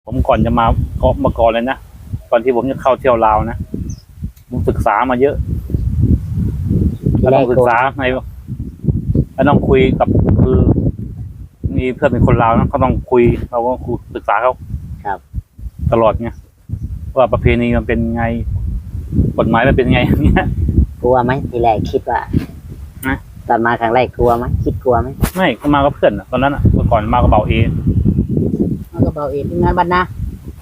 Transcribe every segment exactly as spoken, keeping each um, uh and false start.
ผมก่อนจะมาเกาะมาก่อนเลยนะก่อนที่ผมจะเข้าเที่ยวลาวนะผมศึกษามาเยอะก็ต้องศึกษาในก็ต้องคุยกับคือมีเพื่อนเป็นคนลาวนะเขาต้องคุยเราก็คุยศึกษาเขาครับตลอดไงว่าประเพณีมันเป็นไงกฎหมายมันเป็นไงอย่างเงี้ยกลัวไหมทีแรกคิดว่าตอนมาครั้งแรกกลัวไหมคิดกลัวไหมไม่ก็มากับเพื่อนตอนนั้นอ่ะเมื่อก่อนมากับเบาเอมากับเบาเอที่งานบ้านนา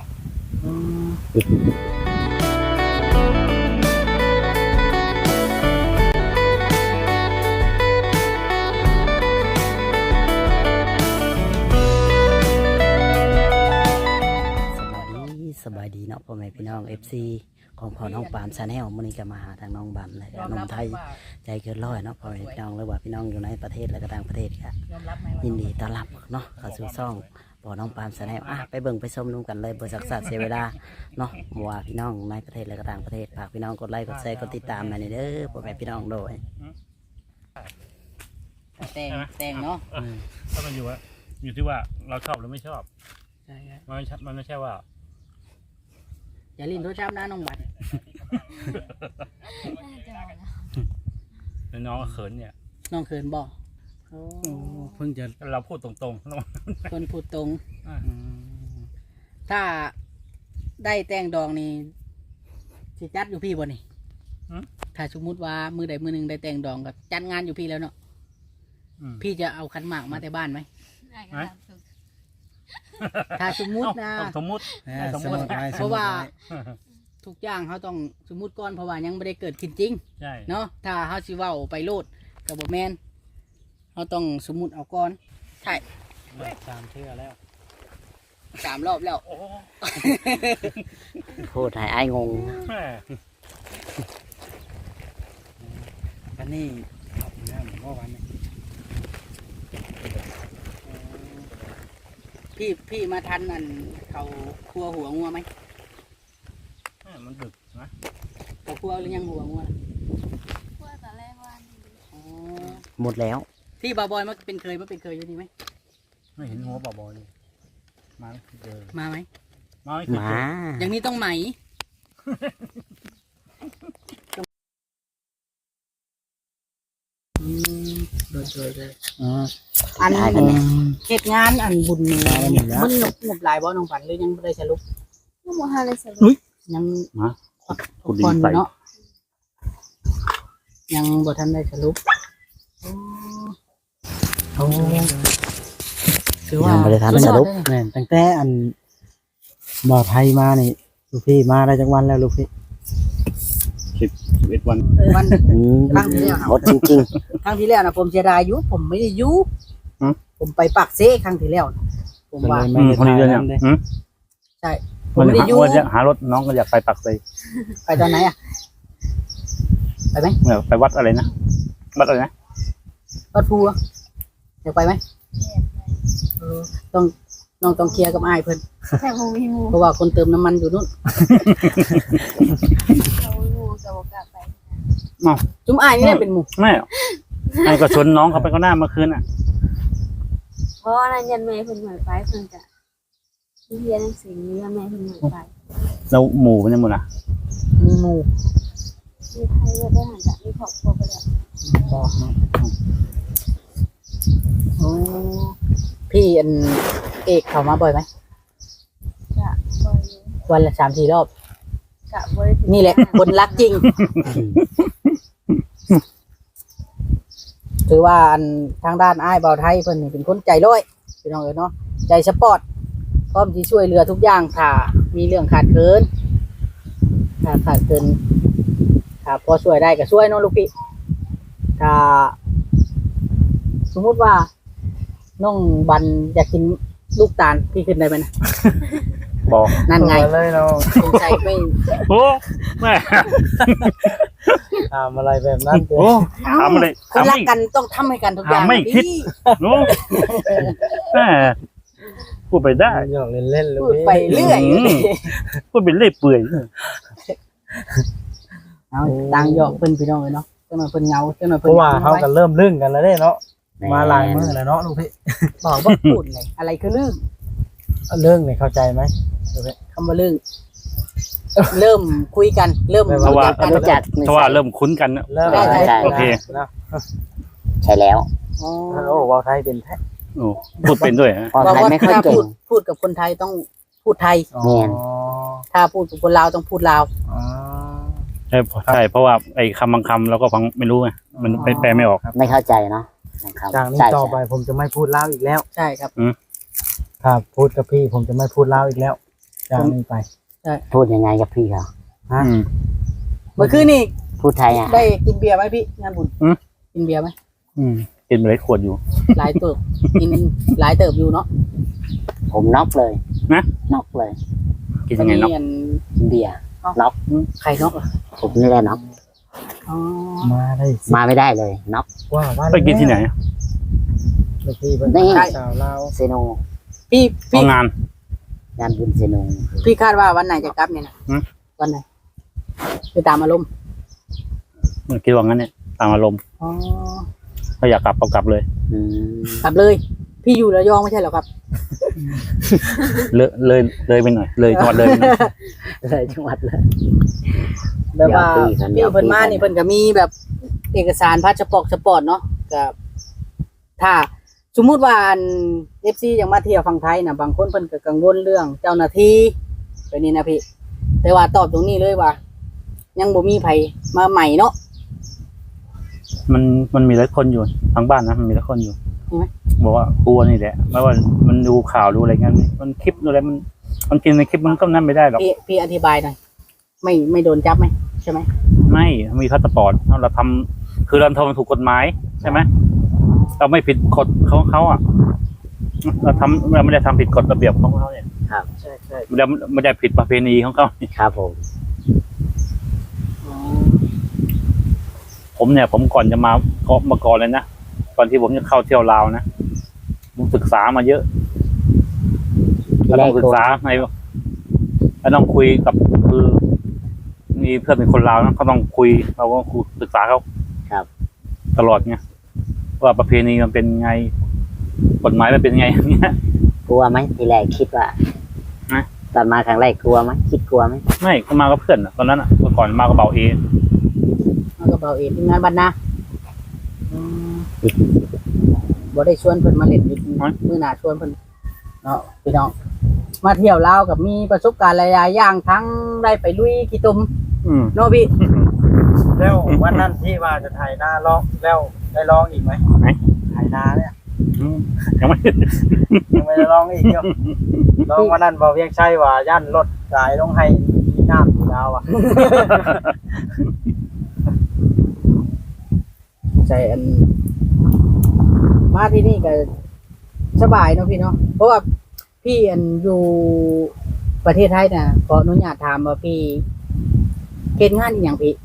สบายดีเนาะพ่อแม่พี่น้องเอฟซีของพ่อน้องปามชาแนลมื้อนี้ก็มาหาทางน้องบัมและน้องไทยใจเกินร้อยเนาะพ่อแม่พี่น้องหรือว่าพี่น้องอยู่ในประเทศและก็ต่างประเทศค่ะยินดีต้อนรับเนาะเข้าสู่ช่องพ่อน้องปามชาแนลอ่ะไปเบิ่งไปชมดูกันเลยบ่สักษาเสียเวลาเนาะว่าพี่น้องในประเทศและก็ต่างประเทศฝากพี่น้องกดไลค์กดแชร์กดติดตามมาเด้อพ่อแม่พี่น้องโดยแต่งแต่งเนาะถ้ามันอยู่ว่าอยู่ที่ว่าเราชอบหรือไม่ชอบใช่มันไม่มันไม่ใช่ว่าอย่าลิ้นโทรศัพท์นะน้องบัตรน้องเขินเนี่ยน้องเขินบอกเพิ่งจะเราพูดตรงๆคนพูดตรงถ้าได้แต่งดองนี่สิจัดอยู่พี่บ่นี่ถ้าสมมุติว่ามือใดมือหนึ่งได้แต่งดองก็จัดงานอยู่พี่แล้วเนาะพี่จะเอาขันหมากมาแต่บ้านไหมถ้าสมมุตินะสมมุติสมมุติเพราะว่าทุกอย่างเขาต้องสมมุติก่อนเพราะว่ายังไม่ได้เกิดขึ้นจริงเนาะถ้าเขาสิเว้าไปโลดกับบ่แมนเขาต้องสมมุติเอาก่อนใช่สามเทื่อแล้วสามรอบแล้วพูดให้อ้ายงงวันนี้ขับน้ำเมื่อวานนี้พี่พี่มาทันอันเขาครัวหัวงัวไหมมันดึกนะเขาครัวหรือยังหัวงัวครัวตอนแรกว่าหมดแล้วที่บาบอยมันเป็นเคยมันเป็นเคยอยู่นี่ไหมไม่เห็นหัวบาบอยเลยมาเจอมาไหมมามาอย่างนี้ต้องไหมโดยโดยเลยอันเหตุงานอันบุญมันหนุกหนุกหลายบ่น้องฝันหรือยังไม่ได้สรุปยังไม่ได้สรุปยังมาคุณดีใส่เนาะยังบ่ทันได้สรุปโอ้คือว่าบ่ได้ทันสรุปแม่นตั้งแต่อันบ่าวไทยมานี่ลูกพี่มาได้จักวันแล้วลูกพี่สิบสิบเอ็ดวันวันครั้งที่แล้วหมดจริงๆครั้งที่แล้วนะผมเสียดายอยู่ผมไม่ได้อยู่ผมไปปักเซ่ครั้งที่แล้วผมว่าคนนี้เดือนเนี่ยใช่ผมไม่ได้อยู่หารถน้องก็อยากไปปักเซ่ไปตอนไหนอ่ะไปไหมไปวัดอะไรนะวัดอะไรนะวัดภูอยากไปไหมต้องน้องต้องเคลียร์กับอ้ายเพิ่นเพราะว่าคนเติมน้ำมันอยู่นู่นจุ่มอ้ายนี่เป็นหมู่ไม่ไอ้ก็ชวนน้องเขาไปก็หน้าเมื่อคืนอ่ะเพราะอะไรยันแม่เพิ่นหมายไปเพิ่นจะเรียนหนังสือยันแม่เพิ่นหมายไปแล้วหมู่เป็นยังไงล่ะมีหมู่มีใครจะได้หันจากมีครอบครัวไปแล้วบอกเนาะโอ้พี่อันเอกเข้ามาบ่อยไหมจะบ่อยวันละสามสี่รอบจะบ่อยนี่แหละคนรักจริงถือว่าอันทางด้านอ้ายเบาไทยเพิ่นนี่เป็นคนใจร้อยพี่น้องเอ๋ยเนาะใจสปอร์ตพร้อมที่ช่วยเหลือทุกอย่างถ้ามีเรื่องขาดเกินถ้าขาดเกินถ้าพอช่วยได้ก็ช่วยเนาะลูกพี่ถ้าสมมุติว่าน้องบันอยากกินลูกตาลพี่ขึ้นได้ไหมนะบอกนั่นไงเลยเราสงสัยไม่โอ้แม่ทำอะไรแบบนั้นโอ้ทำอะไรคนรักกันต้องทำให้กันทุกอย่างไม่คิดโอ้แม่พูดไปได้หยอกเล่นๆลูกพูดไปเรื่อยพูดไปเรื่อยเปื่อยเอาตังหยอกเพิ่นพี่น้องเลยเนาะเจ้าหน่อยเพิ่นเงาเจ้าหน่อยเพิ่นเพราะว่าเขากันเริ่มลึ่งกันแล้วเนาะมาหลายมื้อแล้วเนาะลูกพี่บอกว่าพูดเลยอะไรคือลืมเรื่องนี่เข้าใจไหมคำว่าเรื่องเริ่มคุยกันเริ่มเพราะว่ากันรู้จักเพราะว่าเริ่มคุ้นกันนะเริ่มได้ได้โอเคนะใช่แล้วอ๋อโอ้เว้าไทยเป็นแท้โอ้พูดเป็นด้วยฮะพอบอกไทยว่าไม่ค่อยถ้าเก่พูงดพูดกับคนไทยต้องพูดไทยอ๋อแม่นถ้าพูดกับคนลาวต้องพูดลาวอ๋อใช่ใช่เพราะว่าไอ้คำบางคำเราก็ฟังไม่รู้ไงมันไม่แปลไม่ออกไม่เข้าใจเนาะนะครับจากนี้ใช่ต่อไปใช่ผมจะไม่พูดลาวอีกแล้วใช่ครับครับพูดกับพี่ผมจะไม่พูดลาวอีกแล้วจากนี้ไปพูดยังไงกับพี่เขาฮะอืมเมื่อคืนนี่พูดไทยอ่ะได้กินเบียร์ไหมพี่งานบุญอืมกินเบียร์ไหมอืมกินไปเลยขวดอยู่หลายเติบกินหลายเติบอยู่เนาะผมน็อกเลยนะน็อกเลยกินยังไงเนาะอันเบียร์ไข่นกเหรอผมนี่แหละน็อกอ๋อมาได้สิมาไม่ได้เลยน็อกว่าว่าไปกินที่ไหนลูกพี่เพิ่นนี่สาวลาวเซโนพี่เพพี่ราะงานงานบุญเซโนพี่คาดว่าวันไหนจะกลับเนี่ยนะหืมวันไหนไปตามอารมณ์คิดว่างั้นเนี่ยตามอารมณ์อ๋อถ้าอยากกลับก็กลับเลยอืมกลับเลย พี่อยู่ระยองไม่ใช่เหรอครับเลยเลยเลยไปหน่อย เลยจังหวัดเลยไปหน่อยเลยจังหวัดเลยแบบว่าเดี๋ยวปีกันเดี๋ยวพี่เพิ่นมาปีกันนี่เพิ่นก็มีแบบเอกสารพาสปอร์ตสปอร์ตเนาะกับถ้าสมมุติว่าเอฟซียังมาเที่ยวฝั่งไทยนะบางคนเพิ่นก็กังวลเรื่องเจ้าหน้าที่ไปนี่นะพี่แต่ว่าตอบตรงนี้เลยว่า ยังบ่มีไผมาใหม่เนาะมันมันมีหลายคนอยู่ทางบ้านนะมันมีหลายคนอยู่มีไหมบอกว่ากลัวนี่แหละไม่ว่ามันดูข่าวดูอะไรเงี้ยมันคลิปดูอะไรมันมันกินในคลิปมันก็นั่นไม่ได้หรอกพี่พี่อธิบายหน่อยไม่ไม่โดนจับไหมใช่ไหมไม่มีพาสปอร์ตเราทำคือเราทำถูกกฎหมายใช่ไหมเราไม่ผิดกฎเขาเขาอ่ะเราทำเราไม่ได้ทำผิดกฎระเบียบของเขาเนี่ยใช่ใช่ไม่ได้ไม่ได้ผิดประเพณีของเขาครับผมผมเนี่ย ผมก่อนจะมาก็มาก่อนเลยนะก่อนที่ผมจะเข้าเที่ยวลาวนะผมศึกษามาเยอะเราต้องศึกษาในเราต้องคุยกับคือมีเพื่อนเป็นคนลาวนะเขาต้องคุยเราก็คุยศึกษาเขาครับตลอดไงว่าประเพณีมันเป็นไงกฎหมายมันเป็นไงอย่างเงี้ยกลัวไหมทีแรกคิดว่าฮะตอนมาครั้งแรกกลัวไหมคิดกลัวไหมไม่ก็มากับเพื่อนอะตอนนั้นอะเมื่อก่อนมากับเบาเอมันก็เบาเองทีมงานบ้านนาอืมบ่ได้ชวนเพิ่นมาเล่นอีกมื้อหน้าชวนเพิ่นเนาะพี่น้องมาเที่ยวลาวกับมีประสบการณ์หลายๆอย่างทั้งได้ไปลุยขี้ตุ่มอืมเนาะพี่แล้ววันนั้นที่ว่าจะถ่ายหน้าร้องแล้วได้ร้องอีกไหมไหนถ่ายหน้าเนี่ยอืมยังไม่ยังไม่ได้ร้องอีกเดียวร้องวันนั้นบอกเวียงชัยว่าย่านรถสายลงให้มีน้ำอยู่แล้วอ่ะใช่อัน มาที่นี่ก็สบายเนาะพี่เนาะเพราะว่าพี่อันอยู่ประเทศไทยน่ะขออนุญาตถามว่าพี่เฮ็ดงานอีหยังพี่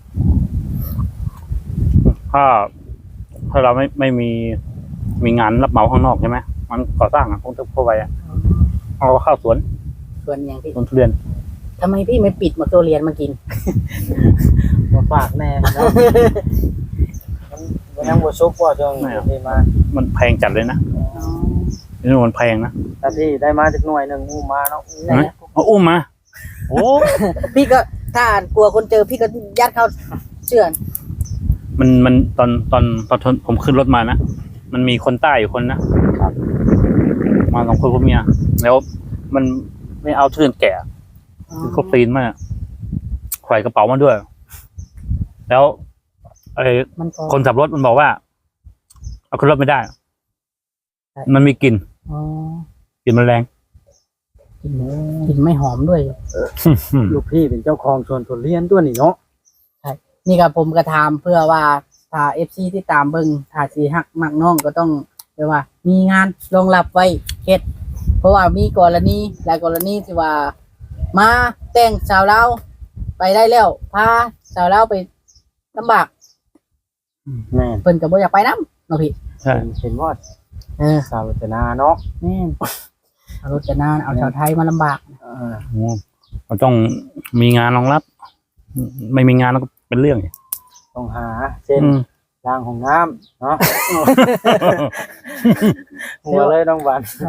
ถ้าถ้าเราไม่ไม่มีมีงานรับเหมาข้างนอกใช่ไหมมันก่อสร้างอะพวกทุกพวกไปอะเอาเข้าสวนส่วนอีหยังพี่สวนทุเรียนทำไมพี่ไม่ปิดมาตัวเรียนมากินมาฝากแน่เนาะมันมันยังบ่ซุกว่าช่วงที่มามันแพงจัดเลยนะนี่มันแพงนะแต่ที่ได้มาจากหน่วยหนึ่งอู้มาเนาะอู้เห็นไหมเอาอุ้มมาโอ้พี่ก็ถ้ากลัวคนเจอพี่ก็ยัดเข้าเชื่อนมันมันตอนตอนตอนผมขึ้นรถมานะมันมีคนใต้อยู่คนนะครับ มาสองคนพ่อเมียแล้วมันไม่เอาทุเรียนแก่คือเขาปีนมาไขว่กระเป๋ามาด้วย แล้วไอ้มันก็คนขับรถมันบอกว่า เอาขึ้นรถไม่ได้ มันมีกลิ่นอ๋อกลิ่นมันแรงกลิ่นกลิ่นไม่หอมด้วยลูกพี่เป็นเจ้าของสวนทุเรียนตัวนี้เนาะนี่ครับผมกระทำเพื่อว่าถ้าเอฟซีที่ตามเบิ่งถ้าสีหักมักน้องก็ต้องเรียกว่า มีงานรองรับไว้เฮ็ดเพราะว่ามีกรณีหลายกรณีที่ว่า มาแต่งสาวเราวไปได้แล้วพาสาวเราวไปลำบากแม่นเพิ่นก็บ่อยากไปนำเนาะพี่ใช่เห็นว่าเออสาวรจนาเนาะแม่นเอารถจะนานเอาชาวไทยมาลำบากเออโอ้เราต้องมีงานรองรับ ไม่มีงานแล้วก็เป็นเรื่องอีกต้องหาเช่นอืมรางของน้ำเนาะ หัวเลยน้องหวาน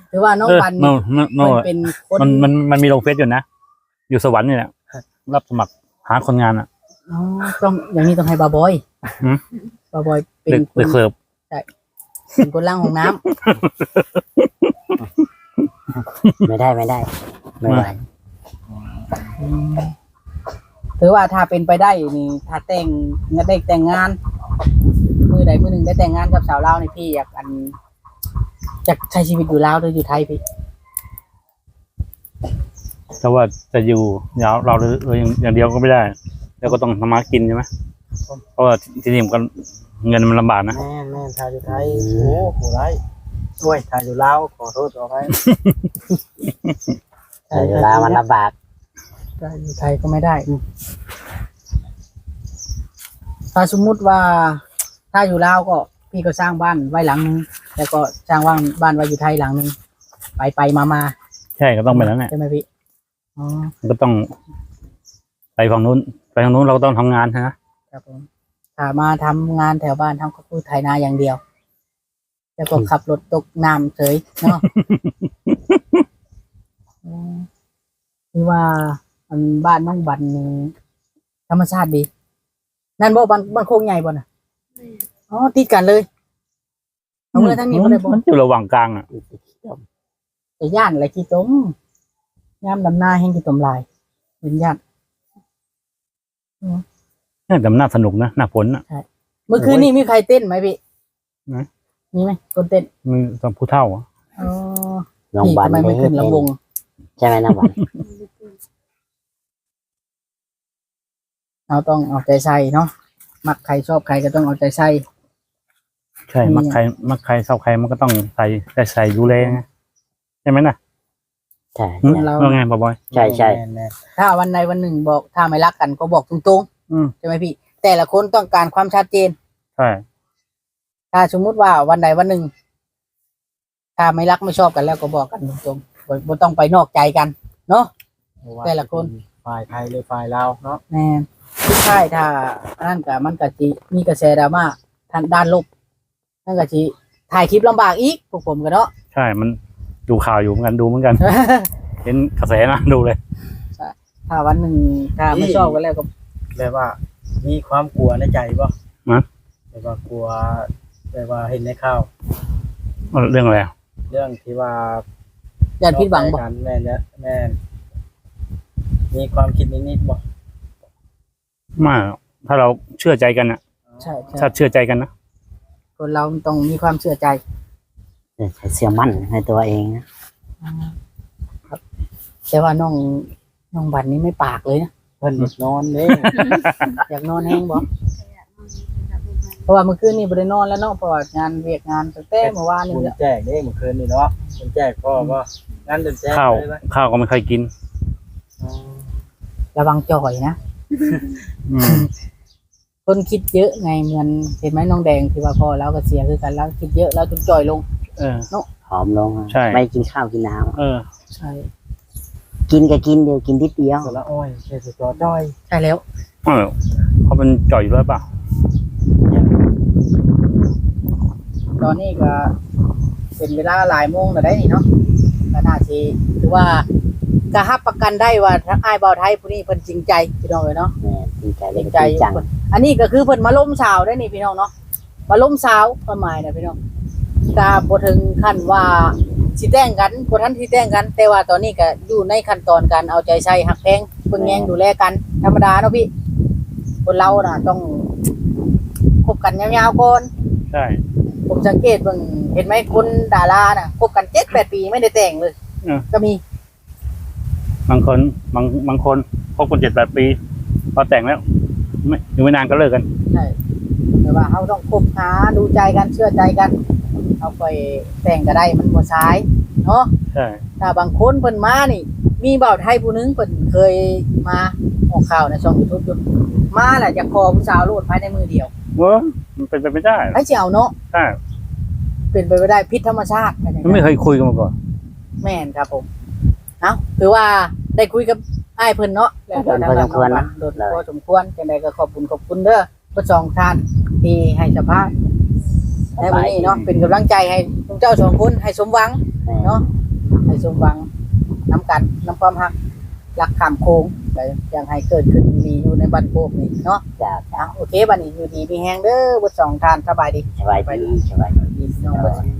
ถือว่าน้องเออบันโนโนเพิ่นเป็นคนมันมันมันมีลงเฟซอยู่นะ อยู่สวรรค์นี่แหละรับสมัครหาคนงานอ่ะอ๋อต้องอย่างนี้ต้องให้บาบอยหืมบาบอยเป็นเด็กคเด็นกเสิร์ฟเป็นคนล้างห้องน้ำไม่ได้ไม่ได้ ไม่ไหวอืมถือว่าถ้าเป็นไปได้นี่ถ้าแต่งงานได้แต่งงาน มือใดมือหนึ่งได้แต่งงานกับสาวลาวนี่พี่อยากอันจะใช้ชีวิตอยู่ลาวหรืออยู่ไทยพี่แต่ว่าจะอยู่ยาวเราเอออย่างอย่างเดียวก็ไม่ได้ แล้วก็ต้องทำมากินใช่ไหมเพราะว่าที่นี่มันก็เงินมันลำบากนะแม่นแม่นทายอยู่ไทยโอ้โหไรโอ้ยทายอยู่ลาวขอโทษขออภัยแต่เวลามันลำบากถ้าอยู่ไทยก็ไม่ได้ถ้าสมมุติว่าถ้าอยู่ลาวก็พี่ก็สร้างบ้านไว้หลังนึงแล้วก็สร้างว่างบ้านไว้อยู่ไทยหลังนึงไปไปมามาใช่ก็ต้องไปแล้วแหละใช่ไหมพี่อ๋อมันก็ต้อง ไปฝั่งนู้น ไปฝั่งนู้นเราก็ต้องทำงานนะครับผมถ้ามาทำงานแถวบ้านทำก็คือไถนาอย่างเดียว แล้วก็ขับรถตกน้ำเฉยเนาะ อืมคือว่าอันบ้านน้องบันนี่ธรรมชาติดี นั่นบ่บ้านบ้านโคกใหญ่บ่น่ะอ๋อติดกันเลยเอาเมื่อทั้งนี้บ่ได้บ่มันอยู่ระหว่างกลางอ่ะแต่ย่านอะไรขี้ต้มยามดำนาแห่งขี้ต้มลายเป็นย่านนี่แต่มันน่าสนุกนะหน้าฝนอ่ะเมื่อคืนนี้มีใครเต้นไหมพี่ไหนมีไหมคนเต้นมีตอนผู้เฒ่าอ่ะอ๋อน้องพี่บันทำไมไม่ขึ้นลำวงใช่ไหมน้องบันเราต้องเอาใจใส่เนาะมักใครชอบใครก็ต้องเอาใจใส่ใช่อืมมักใครมักใครชอบใครมันก็ต้องใส่ใส่ใส่ดูแลไงใช่ไหมน่ะใช่หืมใช่ว่าไงบอยใช่ใช่แม่นแม่นถ้าวันใดวันหนึ่งบอกถ้าไม่รักกันก็บอกตรงอืมๆใช่ไหมพี่ แต่ละคนต้องการความชัดเจนใช่ถ้าสมมุติว่าวันใดวันหนึ่ง ถ้าไม่รักไม่ชอบกันแล้วก็บอกกันตรงๆบ่บ่ต้องไปนอกใจกัน เนาะ แต่ละคนฝ่ายไทยหรือฝ่ายลาวเนาะแน่ทุกท่ายถ้าอันนั่นก็มันก็สิมีกระแสดราม่าทางด้านลบนั่นก็สิถ่ายคลิปลำบากอีกพวกผมกันเนาะใช่มันดูข่าวอยู่เหมือนกันดูเหมือนกัน เห็นกระแสนะดูเลยถ้าวันหนึ่งถ้าไม่ชอบกันแล้วก็แบบว่า มีความกลัวในใจบ่ฮะแบบว่ากลัวแบบว่าเห็นในข่าวเรื่องอะไรอ่ะเรื่องที่ว่าอย่าผิดหวังบ่กันแม่นเนี่ยแม่นมีความคิดนิดๆบ่ไมาถ้าเราเชื่อใจกันอ่ะใช่ใช่ถ้าเชื่อใจกันนะคนเราต้องมีความเชื่อใจเชื่อมั่นในตัวเองนะแต่ว่าน้องน้องบันนี้ไม่ปากเลยนะเพิ่นนอนเด้อยากนอนแห้งบ่เพราะว่าเมื่อคืนนี้บ่ได้นอนแล้วเนาะเพราะว่างานเวียกงานตั้งแต่เมื่อวานนี่คุณแหละแจกเด้เมื่อคืนนี่เนาะคุณแจกพ่อบ่งั้นเดินแจกข้าวเลยไหมข้าวก็ไม่ค่อยกินอ๋อระวังจ่อยนะอืมคนคิดเยอะไงเหมือนเห็นไหมน้องแดงที่ว่าพ่อแล้วก็เสียคือกันแล้วคิดเยอะแล้วจนจ่อยลงเออผอมลงอะใช่ไม่กินข้าวกินน้เออใช่ำกินก็กินเดียวกินนิดเดียวสละอ้อยเชสุจอจ้อยใช่แล้วเออเขาเป็นจ่อยอยู่แล้วเปล่าตอนนี้ก็เป็นเวลาหลายโมงแล้วได้นี่เนาะก็น่าสิถือว่าก็รับประกันได้ว่าทั้งอ้ายเบาไทยผู้นี้เพิ่นจริงใจพี่น้องเอ้ยเนาะแม่จริงใจจเลยริงก็ใจจริงจังอันนี้ก็คือเพิ่นมาล้มสาวได้นี่พี่น้องเนาะมาล้มสาวประมาณนะพี่น้องกาบ่ถึงขั้นว่าสิแต่งกันบ่ทันสิแต่งกัน แต่ว่าตอนนี้ก็อยู่ในขั้นตอนการเอาใจใส่หักแพงเบิ่งแยงดูแลกันธรรมดาเนาะพี่คนเราน่ะต้องคบกันยาวๆก่อนใช่ผมสังเกตเบิ่งเห็นไหมคนดาราน่ะคบกัน เจ็ดแปด ปีไม่ได้แต่งเลยก็มีบางคนบางบางคนคบกันเจ็ดแปดปีพอแต่งแล้ว ไม่อยู่ไม่นานก็เลิกกันใช่แต่ว่าเขาต้องคบหาดูใจกันเชื่อใจกันเอาไปแต่งก็ได้มันบ่สายเนาะใช่ถ้าบางคนเพิ่นมานี่ มีบ่าวไทยผู้หนึงเพิ่นเคยมาออกข่าวในช่อง YouTube อยู่มาแหละจะขอผู้สาวโลดภายในมือเดียวเว้ยมันเป็นไปไม่ได้ให้สิเอาเนาะใช่เป็นไปไม่ได้พิษธรรมชาติมันไม่เคยคุยกันมาก่อนแม่นครับผมเอ้าถือว่าได้คุยกับอ้ายเพิ่นเนาะแล้วก็ทางด้านน้องบันโดดพอสมควรจังได๋ก็ขอบคุณขอบคุณเด้อผู้สองท่านที่ให้สัมภาษณ์ในวันนี้เนาะเป็นกำลังใจให้ทุกเจ้าสองคนให้สมหวังแม่เนาะให้สมหวังน้ำกันน้ำความฮักรักข้ามโค้งแต่ยังให้เกิดขึ้นมีอยู่ในบ้านโคกนี่เนาะจ้าอ่ะโอเคบัดนี้อยู่ดีมีแฮงเด้อเบ่สองท่านสบายดีสบายดีสบายดีพี่น้องเบ่